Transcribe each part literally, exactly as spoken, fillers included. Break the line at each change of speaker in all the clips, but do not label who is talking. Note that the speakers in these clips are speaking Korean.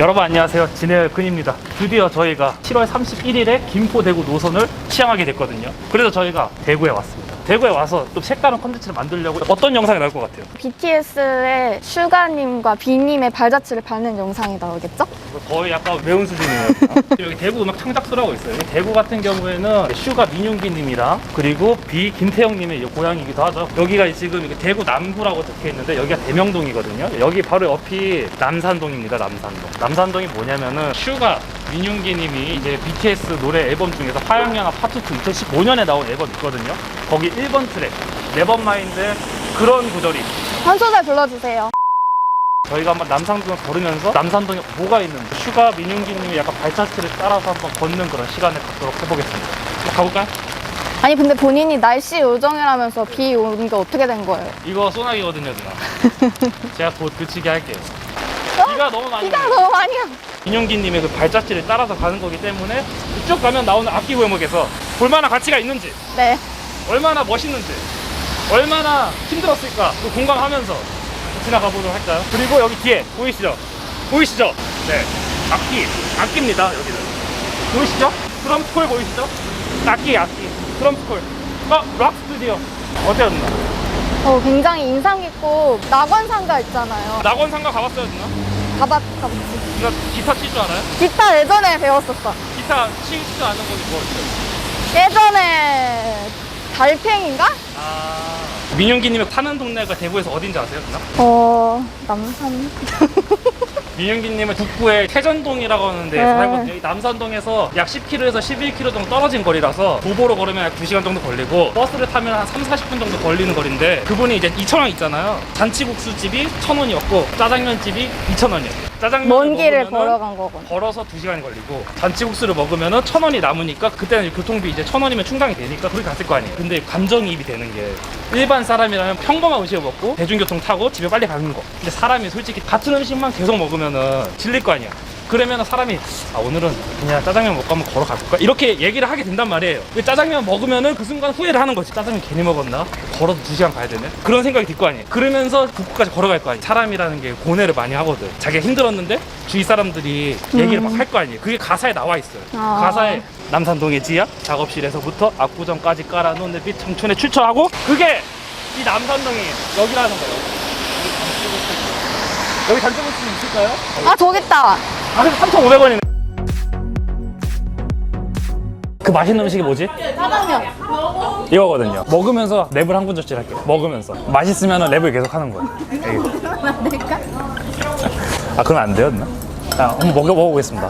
여러분 안녕하세요, 진해열 근입니다. 드디어 저희가 칠월 삼십일일에 김포 대구 노선을 시향하게 됐거든요. 그래서 저희가 대구에 왔습니다. 대구에 와서 좀 색다른 컨텐츠를 만들려고. 어떤 영상이 나올 것 같아요?
비티에스의 슈가님과 비님의 발자취를 밟는 영상이 나오겠죠?
거의 약간 매운 수준이에요. 여기 대구 음악 창작소라고 있어요. 여기 대구 같은 경우에는 슈가 민윤기님이랑 그리고 비 김태형님의 고향이기도 하죠. 여기가 지금 대구 남구라고 적혀 있는데 여기가 대명동이거든요. 여기 바로 옆이 남산동입니다. 남산동. 남산동이 뭐냐면은 슈가 민윤기님이 이제 비티에스 노래 앨범 중에서 화양연화 파트 투 이천십오년에 나온 앨범 있거든요. 거기 일 번 트랙 네버마인드의 그런 구절이
한 소절 불러주세요.
저희가 한번 남산동을 걸으면서 남산동에 뭐가 있는지 슈가 민윤기님이 약간 발자취를 따라서 한번 걷는 그런 시간을 갖도록 해보겠습니다. 가볼까요?
아니 근데 본인이 날씨 요정이라면서 비 오는 게 어떻게 된 거예요?
이거 소나기거든요, 누나. 제가 곧 그치게 할게요. 비가 너무 많이
비가
와요.
너무 많이 와.
민윤기님의 그 발자취를 따라서 가는 거기 때문에 쭉 가면 나오는 악기 골목에서 볼만한 가치가 있는지,
네.
얼마나 멋있는지, 얼마나 힘들었을까 또 공감하면서 지나가 보도록 할까요? 그리고 여기 뒤에 보이시죠? 보이시죠? 네, 악기, 악기입니다. 여기는 보이시죠? 트럼프콜 보이시죠? 악기, 악기, 트럼프콜. 어, 락 스튜디오. 어때요, 누나?
어, 굉장히 인상 깊고 낙원상가 있잖아요.
낙원상가 가봤어요, 누나?
가봤, 가봤지.
누나 기타 칠 줄 알아요?
기타 예전에 배웠었어.
기타 칠 줄 아는 거지 뭐 있어요?
예전에 달팽인가?
아, 민윤기님이 사는 동네가 대구에서 어딘지 아세요, 누나?
어, 남산.
민윤기님은 북구의 태전동이라고 하는 데에서
네.
살거든요. 이 남산동에서 약 십 킬로미터에서 십일 킬로미터 정도 떨어진 거리라서 도보로 걸으면 약 두 시간 정도 걸리고 버스를 타면 한 삼, 사십 분 정도 걸리는 거리인데 그분이 이제 이천 원 있잖아요. 잔치국수집이 천 원이었고 짜장면집이 이천 원이었어요. 짜장면
먼 길을 걸어간 거군.
걸어서 두 시간이 걸리고 잔치국수를 먹으면은 천 원이 남으니까 그때는 교통비 이제 천 원이면 충당이 되니까 그렇게 갔을 거 아니에요. 근데 감정이입이 되는 게 일반 사람이라면 평범한 음식을 먹고 대중교통 타고 집에 빨리 가는 거. 근데 사람이 솔직히 같은 음식만 계속 먹으면은 질릴 거 아니야. 그러면 사람이 아 오늘은 그냥 짜장면 먹고 한번 걸어가 볼까? 이렇게 얘기를 하게 된단 말이에요. 왜 짜장면 먹으면은 그 순간 후회를 하는 거지. 짜장면 괜히 먹었나? 걸어서 두 시간 가야 되네? 그런 생각이 들 거 아니에요. 그러면서 북구까지 걸어갈 거 아니에요. 사람이라는 게 고뇌를 많이 하거든. 자기가 힘들었는데 주위 사람들이 얘기를 막 할 거 아니에요. 그게 가사에 나와 있어요.
아.
가사에 남산동의 지하 작업실에서부터 압구정까지 깔아놓은 내 빛 청춘에 출처하고 그게 이 남산동이 여기라는 거예요. 여기 단체부스 있을까요?
아, 저기 있다.
아, 그래서 삼천오백 원이네. 그 맛있는 음식이 뭐지?
짜장면.
이거거든요. 먹으면서 랩을 한 군절씩 할게요. 먹으면서. 맛있으면 랩을 계속 하는 거예요.
안 될까?
아, 그건 안 돼요, 누나? 아, 한번 먹여, 먹어보겠습니다.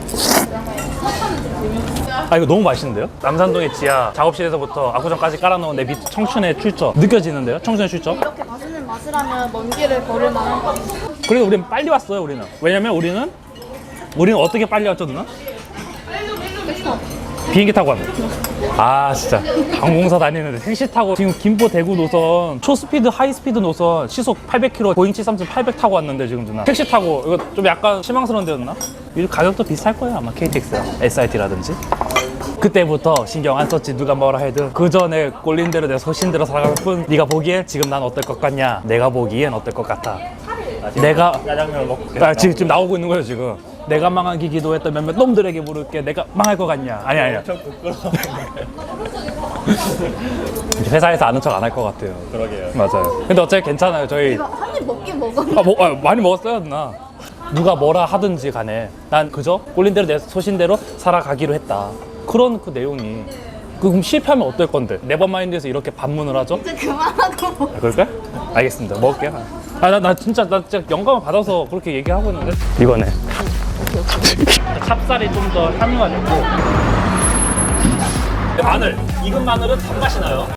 아, 이거 너무 맛있는데요? 남산동의 지하 작업실에서부터 압구정까지 깔아놓은 내 밑 청춘의 출처. 느껴지는데요? 청춘의 출처?
이렇게 맛있는 맛이라면 먼 길을 걸을 만한 거.
그래도 우리는 빨리 왔어요, 우리는. 왜냐면 우리는 우리는 어떻게 빨리 왔죠, 누나? 비행기 타고 왔네. 아, 진짜 항공사 다니는데 택시 타고 지금 김포 대구 노선 초스피드 하이스피드 노선 시속 팔백 킬로미터 보잉 칠삼칠 팔백 타고 왔는데 지금 누나 택시 타고 이거 좀 약간 실망스러운데 누나? 이 가격도 비쌀 거예요 아마 케이티엑스랑 에스아이티라든지. 그때부터 신경 안 썼지. 누가 뭐라 해도 그 전에 꼴린 대로 내 소신대로 살아갈 뿐. 네가 보기엔 지금 난 어떨 것 같냐? 내가 보기엔 어떨 것 같아? 내가 짜장면을 먹고 아, 지금, 지금 나오고 있는 거예요 지금. 내가 망하기 기도했던 몇몇 놈들에게 물을게. 내가 망할 것 같냐? 아니 아니야. 회사에서 아는 척 안 할 것 같아요.
그러게요.
맞아요. 근데 어차피 괜찮아요. 저희
한 입 먹긴 먹었는데.
아, 뭐, 아, 많이 먹었어요 누나. 누가 뭐라 하든지 간에 난 그저 꼴린 대로 내 소신대로 살아가기로 했다. 그런 그 내용이. 그 그럼 실패하면 어떨 건데? 네버마인드에서 이렇게 반문을 하죠?
이제 그만하고.
아, 그럴까요? 알겠습니다. 먹을게요. 아, 나, 나 진짜, 나 진짜 영감을 받아서 그렇게 얘기하고 있는데? 이거네. 찹쌀이 좀 더 향유가 되고. 마늘. 익은 마늘은 단맛이 나요.